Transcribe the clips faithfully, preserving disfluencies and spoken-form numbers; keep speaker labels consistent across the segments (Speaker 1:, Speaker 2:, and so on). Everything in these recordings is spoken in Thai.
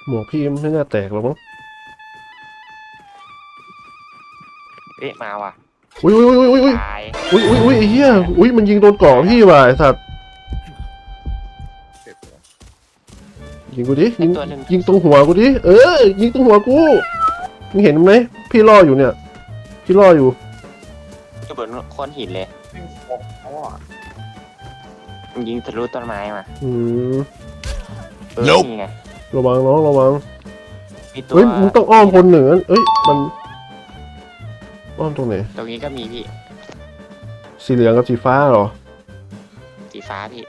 Speaker 1: หมวกพี่ไม่น่าแตกหรอกมั้ง
Speaker 2: เอ๊ะมาว่ะ
Speaker 1: อุ้ยอุ้ยอุ้ยอุ้ยอุ้ย
Speaker 2: ตาย
Speaker 1: อุ้ยอุ้ยอุ้ยไอ้เหี้ยอุ้ยมันยิงโดนเกาะพี่ว่ะไอ้สัตว์ยิงกูดิยิงยิงตรงหัวกูดิเออยิงตรงหัวกูมึงเห็นไหมพี่ล่ออยู่เนี่ยพี่ล่ออยู่
Speaker 2: อยู่บนโคนหินเลย
Speaker 3: เขาอ่ะ
Speaker 2: มันยิงทะลุต้นไม้มา
Speaker 1: อืม
Speaker 2: เออนี่ไง
Speaker 1: ระวังน้องระวัง
Speaker 2: มีตัว
Speaker 1: เฮ้ยมึงต้องอ้อมคนเหนือเอ้ยมันอ้อมตรงไหน
Speaker 2: ตรงนี้ก็มีพี่
Speaker 1: สีเหลืองกับสีฟ้าเหรอ
Speaker 2: สีฟ้าพี่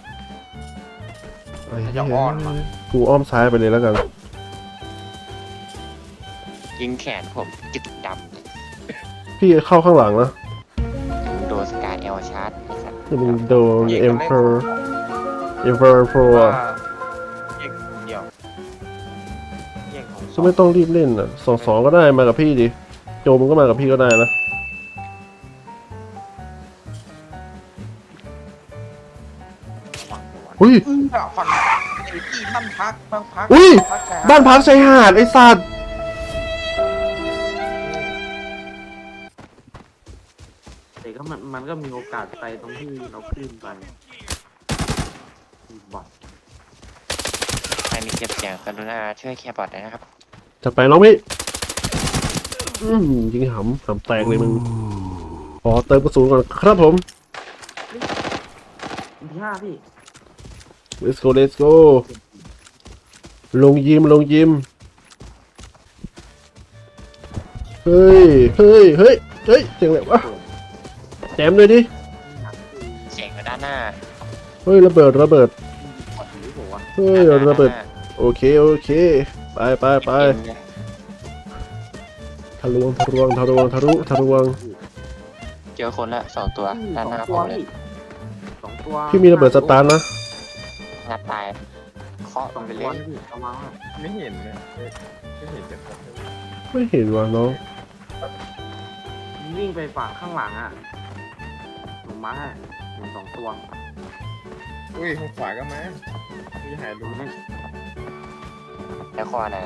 Speaker 1: ไอ้เหี้ยกูอ้อมซ้ายไปเลยแล้วกัน
Speaker 2: ยิงแขนผมจุดด
Speaker 1: พี่เข้าข้างหลังนะ
Speaker 2: ำโดนสกายเอลชาร์จไอ้สัตว์
Speaker 1: จะมึงโดนเอ็มเพอร์เอ็มเพอร์โปร
Speaker 3: ว่าแยกเดียวแยกของ
Speaker 1: ก็ไม่ต้องรีบเล่นอ่ะสองสองก็ได้มากับพี่ดิโจมึงก็มากับพี่ก็ได้นะ อุ้ย
Speaker 3: อือฝั่งไอ้ที่บ้านพักบ้านพัก
Speaker 1: อุ้ย
Speaker 3: พักชยหด
Speaker 1: บ้านพักชายหาดไอ้สัตว์
Speaker 4: แต่ก็มันมันก็มีโอกาสไปตรงที่เราขึ้นไปบอท
Speaker 2: ใครมีเก็บเสียงกรุณาช่วยแคร์บอทด้วยนะครับ
Speaker 1: จัดไปน้องพี่อืมยิงหำหำแตกเลยมึงขอเติมกระสุนก่อนครับผม
Speaker 4: ที่ห้าพี่
Speaker 1: let's go let's go ลงยิมลงยิมเฮ้ยเฮ้ยเฮ้ยเฮ้ยเจ๋งเลยวะแจมเลยดิ
Speaker 2: เสียงอยู่ด้านหน้า
Speaker 1: เฮ้ยระเบิดระเบิด
Speaker 4: บอทหรือเปล่าวะ
Speaker 1: เฮ้ย
Speaker 2: ด้านหน้า
Speaker 1: ระเบิด
Speaker 2: ด้านหน้า
Speaker 1: โอเคโอเคไปไปไป
Speaker 2: เต็มเลย
Speaker 1: ทะลวงทะลวงทะลวงทะลุทะลวง
Speaker 2: เจอคนละสองตัวด้านหน้า
Speaker 4: ส
Speaker 2: ผ
Speaker 4: อง
Speaker 2: มเลย
Speaker 4: สองตัว
Speaker 1: พี่มีระเบิดสตาร์ทนะ
Speaker 2: งัดตายเคาะ
Speaker 4: ส
Speaker 2: ล
Speaker 4: อง ง
Speaker 2: ไป
Speaker 4: ตั
Speaker 2: เล
Speaker 4: วย พี่เอามาว่า
Speaker 3: ไม่เห็นเลยไม่เห็นจะ
Speaker 1: ไม่เห็นว่ะน้อง
Speaker 4: วิ่งไปฝั่งข้างหลังอ่ะลงมาให้เห็นสองตัว
Speaker 3: อุ้ยข้างขวาก็มาพี่หาย
Speaker 4: ดู
Speaker 3: รู้
Speaker 4: ไม่
Speaker 2: แล้วคอนะ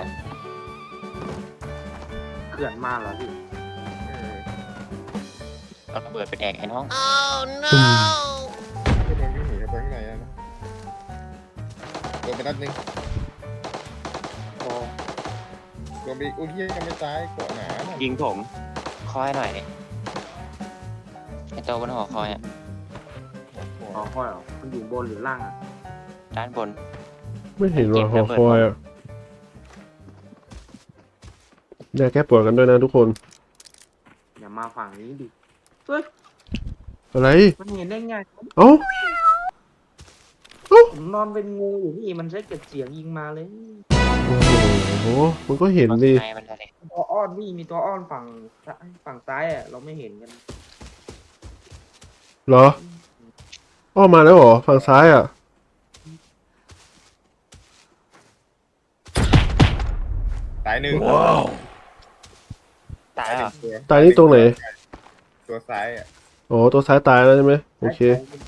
Speaker 4: เขื่อนมาเหรอพี่
Speaker 3: เออ
Speaker 2: เอาระเบิดไปแดกไอ้น้อง
Speaker 1: อืม
Speaker 3: ก็โดนวิ่งหนีเข้าไปข้างในแล้วนะโดนไปนัดหนึง
Speaker 4: โต
Speaker 3: โดนไปอุ้ยเหี้ยยังไม่ตายเกาะหนาน่ะ
Speaker 2: ยิงผมคอยหน่อยดิไอ้ตัวบนหอคอยอ่ะ
Speaker 4: อ๋อค่อยเหรอมันอยู่บนหรือล่างอ่ะ
Speaker 2: ด้านบน
Speaker 1: ไม่เห็นว่ะหอคอยอ่ะเดี๋ยวแก้ปวดกันด้วยนะทุกคน
Speaker 4: อย่ามาฝั่งนี้ดิเฮ้ย
Speaker 1: อะไร
Speaker 4: มันเห็นได้ไง
Speaker 1: เอ้า
Speaker 4: ผมนอนเป็นงูอยู่พี่มันใช้เก็บเสียงยิงมาเลย
Speaker 1: โอ้โหมันก็เห็นดิ
Speaker 2: ไงมันอะไร
Speaker 4: ตัวอ้อนพี่มีตัวอ้อนฝั่งซ้ายฝั่งซ้ายอ่ะเราไม่เห็นกัน
Speaker 1: เหรออ้อมมาแล้วเหรอฝั่งซ้ายอ่ะ
Speaker 3: ตายหนึ่ง
Speaker 2: ตาย
Speaker 3: ห
Speaker 2: แล้
Speaker 3: นึ่
Speaker 2: ว
Speaker 3: งตัว
Speaker 1: ตายนี่ตรงไหน
Speaker 3: ตัวซ้ายอ่ะ
Speaker 1: อ๋อตัวซ้ายตายแล้วใช่ไหมโอเค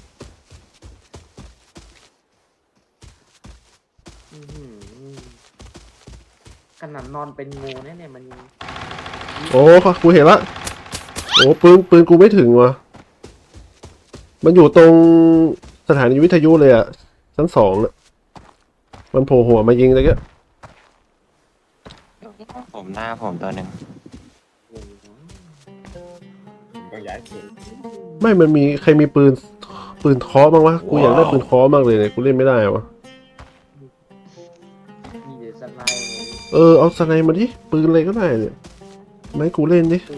Speaker 4: อื้อหือขนาดนอนเป็นงูเนี่ยเนี่ยมันยัง
Speaker 1: โอ้กูเห็นละโอ้ปืนปืนกูไม่ถึงว่ะมันอยู่ตรงสถานีวิทยุเลยอ่ะชั้นสองน่ะมันโผล่หัวมายิงเลยก็
Speaker 2: ผมหน้าผมตัวหนึ่ง
Speaker 3: ผมต้องย้ายตัว
Speaker 1: ไม่มันมีใครมีปืนปืนเคอบ้างวะกูอยากได้ปืนเคอมากเลยเนี่ยกูเล่นไม่ได้วะ
Speaker 4: มีแต่สไนด์เลย
Speaker 1: เออเอาสไนมาดิปืนอะไรก็ได้เนี่ยไม่ให้กูเล่นดิ
Speaker 4: ตี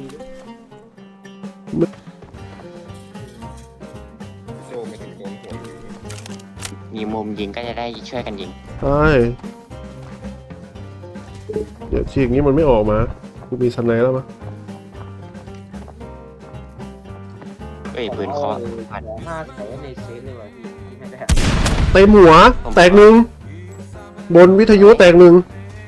Speaker 3: โจไม่ถึงโดนหัวอยู่
Speaker 2: มีมุมยิงก็จะได้ช่วยกันยิง
Speaker 1: ใช่เดี๋ยวทีอย่างนี้มันไม่ออกมากูมีสไนแล้วมั้ย
Speaker 2: เอ้ยปืนเคาะ
Speaker 4: เออหมอห้าใส่ไว้ในเซฟเลยว่ะพี่ไม่ได้
Speaker 1: เต็มหัวแตกหนึ่งบนวิทยุแตกหนึ่ง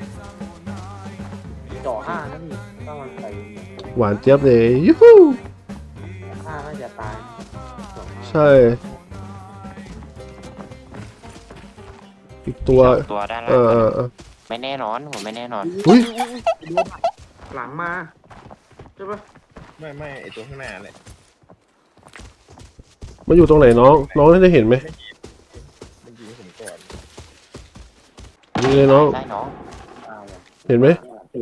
Speaker 4: เจาะห้านะพี่ถ้ามันใส่
Speaker 1: หวานเจี๊ยบเลยยูฮู
Speaker 4: ห้าน่าจะตายเจาะห้า
Speaker 1: ใช่อีกตัว
Speaker 2: ตัวด้าน
Speaker 1: เอ
Speaker 2: ล่าง
Speaker 1: อเออเออ
Speaker 2: ไม่แน่นอนผมไม่แน่นอน
Speaker 1: อุ้ย
Speaker 4: หลังมาใช่ปะ
Speaker 3: ไม่ไม่ไอตัวข้างหน้าเลย
Speaker 1: มันอยู่ตรงไหนน้อง น้องน่าจะเห็นไหม
Speaker 3: มันยิงผมก่อน
Speaker 1: ยิงเลยน้อง
Speaker 2: ได้น้อง
Speaker 1: เห็นไหม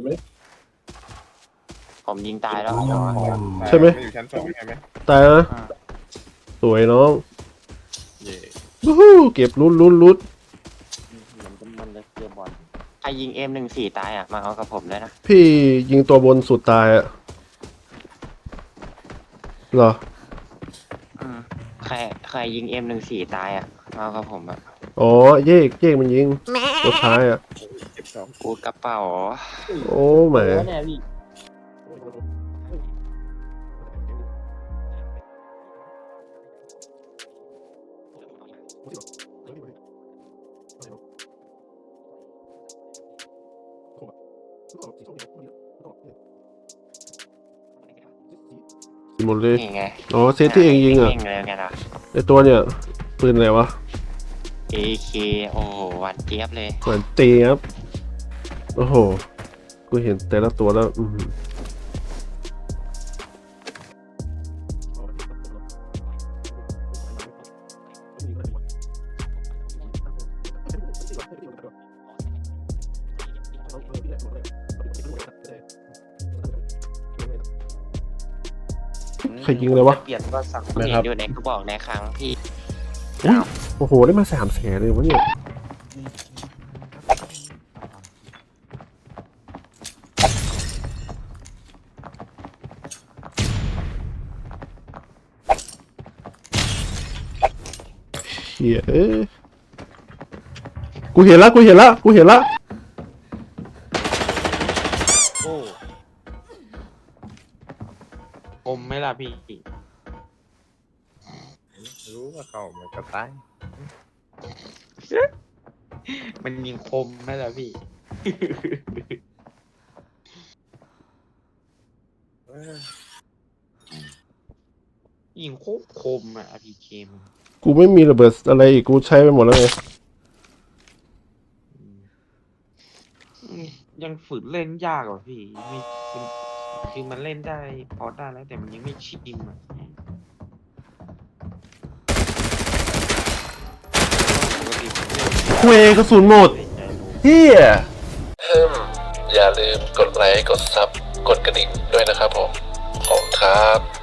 Speaker 2: ผมยิงตายแล้ว
Speaker 1: ใช่ไหม
Speaker 3: นอยู่ชั้นสองใช่ไหม
Speaker 1: ตายนะสวยน้อง
Speaker 3: เย่
Speaker 1: วู้ฮู้เก็บลุ้นลุ้นลุ้น
Speaker 2: ใครยิงเอ็มหนึ่งสี่ตายอ่ะมาเอากับผมเลยนะ
Speaker 1: พี่ยิงตัวบนสุดตายอะเหรอ
Speaker 2: อืมใครใครยิงเอ็มหนึ่งสี่ตายอ่ะมาเอากับผมอ่ะ
Speaker 1: อ๋อเยกเยกมันยิงตัวท้ายอะ
Speaker 3: เก็บสอง
Speaker 2: กูกระเป๋า
Speaker 1: โอ้แหม หมดเลย
Speaker 2: นี่ไง
Speaker 1: อ๋อเซตที่เองยิงอ่ะ
Speaker 2: เองเลยไงล่ะ
Speaker 1: ไอตัวเนี่ยปืนอะไรวะ
Speaker 2: เอ เค โอ้โหหวันเจี๊ยบเลย
Speaker 1: เหมือนตีครับ โอ้โห กูเห็นแต่ละตัวแล้ว อือหือใครยิงเลยวะ
Speaker 4: เปลี่ยนก็สั่ง
Speaker 2: ผมเห็นอยู่ในกระบอกในครั้งที่
Speaker 1: อุ๊ยโอ้โห ได้มาสามแสนเลยวะเนี่ย เฮียเอ้ยกูเห็นละกูเห็นละกูเห็นละ
Speaker 5: โอ้ผมไหม่ล่ะพี่
Speaker 3: รู้ว่าเขามันกระต่าย
Speaker 5: มันยิงคมไหมล่ะพี่
Speaker 3: เออ
Speaker 5: ยิงโคตรคมอ่ะพีเคมัน
Speaker 1: กูไม่มีระเบิดอะไรอีก กูใช้ไปหมดแล้วไง
Speaker 5: อืมยังฝึกเล่นยากกว่าพี่ไม่คือคือมันเล่นได้พอได้แล้วแต่มันยังไม่ชิมอ่ะ
Speaker 1: คุยกระสุนหมด
Speaker 5: ใจรู้
Speaker 1: เฮียฮึมอย่าลืมกดไลค์ กดซับ กดกระดิ่งด้วยนะครับผม ขอบคุณครับ